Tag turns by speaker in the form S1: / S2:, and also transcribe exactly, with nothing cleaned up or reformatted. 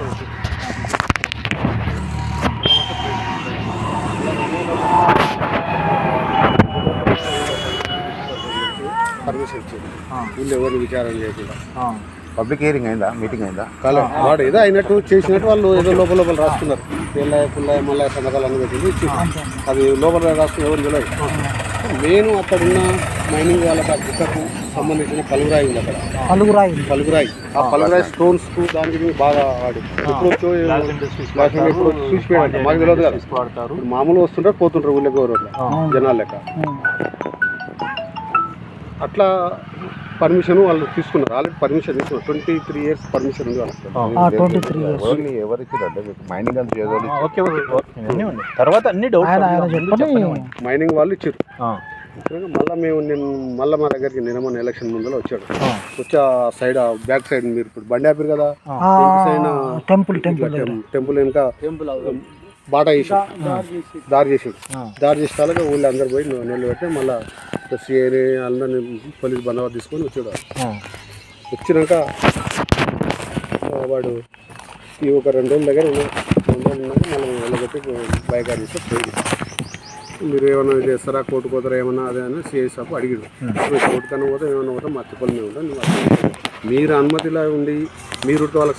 S1: Permission ఇచ్చింది వీళ్ళు ఎవరిని విచారణ చేయకుండా.
S2: పబ్లిక్ హియరింగ్ అయిందా, మీటింగ్ అయిందా?
S1: కాలే, వాడు ఏదో అయినట్టు చేసినట్టు వాళ్ళు ఏదో లోపల లోపల రాసుకున్నారు. పిల్లయ్య పుల్లయ్య మళ్ళీ సంతకాలు అన్ని పెట్టింది ఇచ్చి అది లోపల రాసుకుని ఎవరు తెలియదు. నేను అక్కడున్న మైనింగ్ వాళ్ళకి అధికకు సంబంధించిన పలుగురాయి ఉంది అక్కడ.
S3: పలుగురాయి
S1: పలుగురాయి ఆ పలుగురాయి స్టోన్స్ కు దానికి బాగా వాడి ఇప్పుడు ఇప్పుడు చూసిపోయాడు. మాకు తెలియదు కదా, మామూలు వస్తుంటారు పోతుంటారు ఊళ్ళో గౌరవ జనాలు లెక్క. అట్లా పర్మిషన్ వాళ్ళు తీసుకున్నారు. ఆల్రెడీ పర్మిషన్ తీసుకున్నారు. ట్వంటీ త్రీ ఇయర్స్ పర్మిషన్ ఉంది వాళ్ళకి.
S2: ఓన్లీ ఎవరికి మైనింగ్ అంత చేయాలి.
S4: తర్వాత అన్ని
S1: మైనింగ్ వాళ్ళు ఇచ్చారు. మళ్ళీ మేము నేను మళ్ళీ మా దగ్గరికి నిన్న ఎలక్షన్ ముందర వచ్చాడు. వచ్చి ఆ సైడ్ ఆ బ్యాక్ సైడ్ మీరు ఇప్పుడు బండి ఆపారు కదా,
S3: టెంపుల్ టెంపుల్
S1: టెంపుల్ వెనుక బాటా చేసాడు, దారి చేసాడు. దారి చేసేలాగా ఊళ్ళో అందరు పోయి నీళ్ళు పెట్టి మళ్ళీ సిఐని అందరిని పోలీస్ బందోబస్తు తీసుకొని వచ్చాడు. వచ్చినాక వాడు ఈ ఒక రెండు రోజుల దగ్గర రెండు రోజులు ఉన్నాక మళ్ళీ వెళ్ళబెట్టి బైక్ ఆడి చేస్తే పోయింది. మీరు ఏమైనా చేస్తారా, కోర్టు పోతారా ఏమన్నా అదే అని సిఐ సాబ్ అడిగాడు. కోర్టు కన్నా పోతే ఏమైనా పోతే మా తిప్పలు మేము ఉంటాం. మీరు అనుమతిలా ఉండి మీరు వాళ్ళకి